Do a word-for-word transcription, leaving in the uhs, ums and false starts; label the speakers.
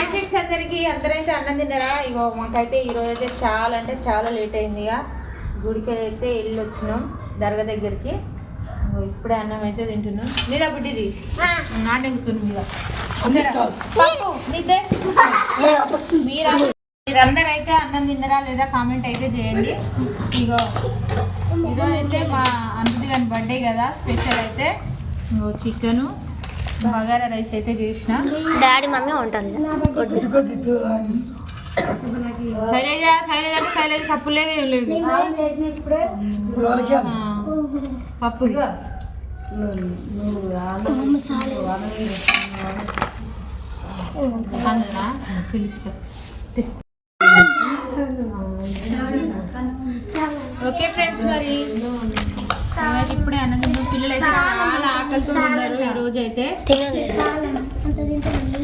Speaker 1: Six అందరికి అందరైతే అన్నం తిన్నారా? ఇగో మాకైతే ఈరోజు అయితే చాలా అంటే చాలా లేట్ అయింది. ఇక గుడికి అయితే వెళ్ళి వచ్చినాం దర్గా దగ్గరికి. ఇప్పుడే అన్నం అయితే తింటున్నాం. లేదా బుడ్డిది నాటే కూర్చున్నాం. ఇక మీరు మీరందరూ అయితే అన్నం తిన్నారా లేదా కామెంట్ అయితే చేయండి. ఇగో ఈరోజు అయితే మా అనుది గారి బర్త్డే కదా, స్పెషల్ అయితే ఇగో చికెను బగారా రైస్ అయితే చేసిన.
Speaker 2: డాడీ మమ్మీ ఉంటుంది.
Speaker 1: శైలజ శైలజ అంటే శైలజ సప్పు లేదు ఏం లేదు. పప్పు పిలుస్తా. ఓకే ఫ్రెండ్స్, మరి ఇప్పుడే అన్నది పిల్లలు అయితే చాలా ఆకలితో ఉన్నారు ఈ రోజు అయితే.